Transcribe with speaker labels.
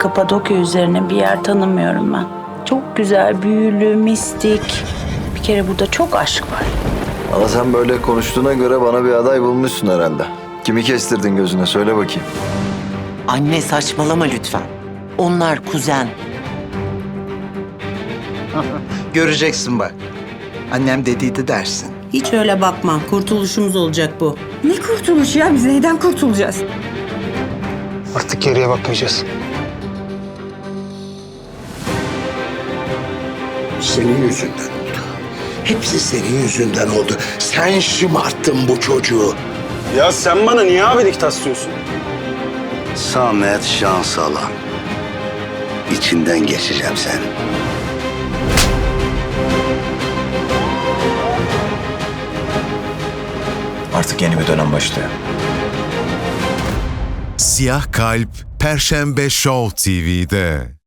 Speaker 1: Kapadokya üzerine bir yer tanımıyorum ben. Çok güzel, büyülü, mistik. Bir kere burada çok aşk var.
Speaker 2: Ama sen böyle konuştuğuna göre bana bir aday bulmuşsun herhalde. Kimi kestirdin gözüne söyle bakayım.
Speaker 3: Anne saçmalama lütfen. Onlar kuzen.
Speaker 4: Göreceksin bak. Annem dediydi dersin.
Speaker 5: Hiç öyle bakma. Kurtuluşumuz olacak bu.
Speaker 6: Ne kurtuluş ya? Biz neyden kurtulacağız?
Speaker 7: Artık geriye bakmayacağız.
Speaker 8: Senin yüzünden oldu. Hepsi senin yüzünden oldu. Sen şımarttın bu çocuğu.
Speaker 7: Ya sen bana niye abilik taslıyorsun?
Speaker 8: Samet Şansalan. İçinden geçeceğim senin.
Speaker 9: Artık yeni bir dönem başlıyor.
Speaker 10: Siyah Kalp Perşembe Show TV'de.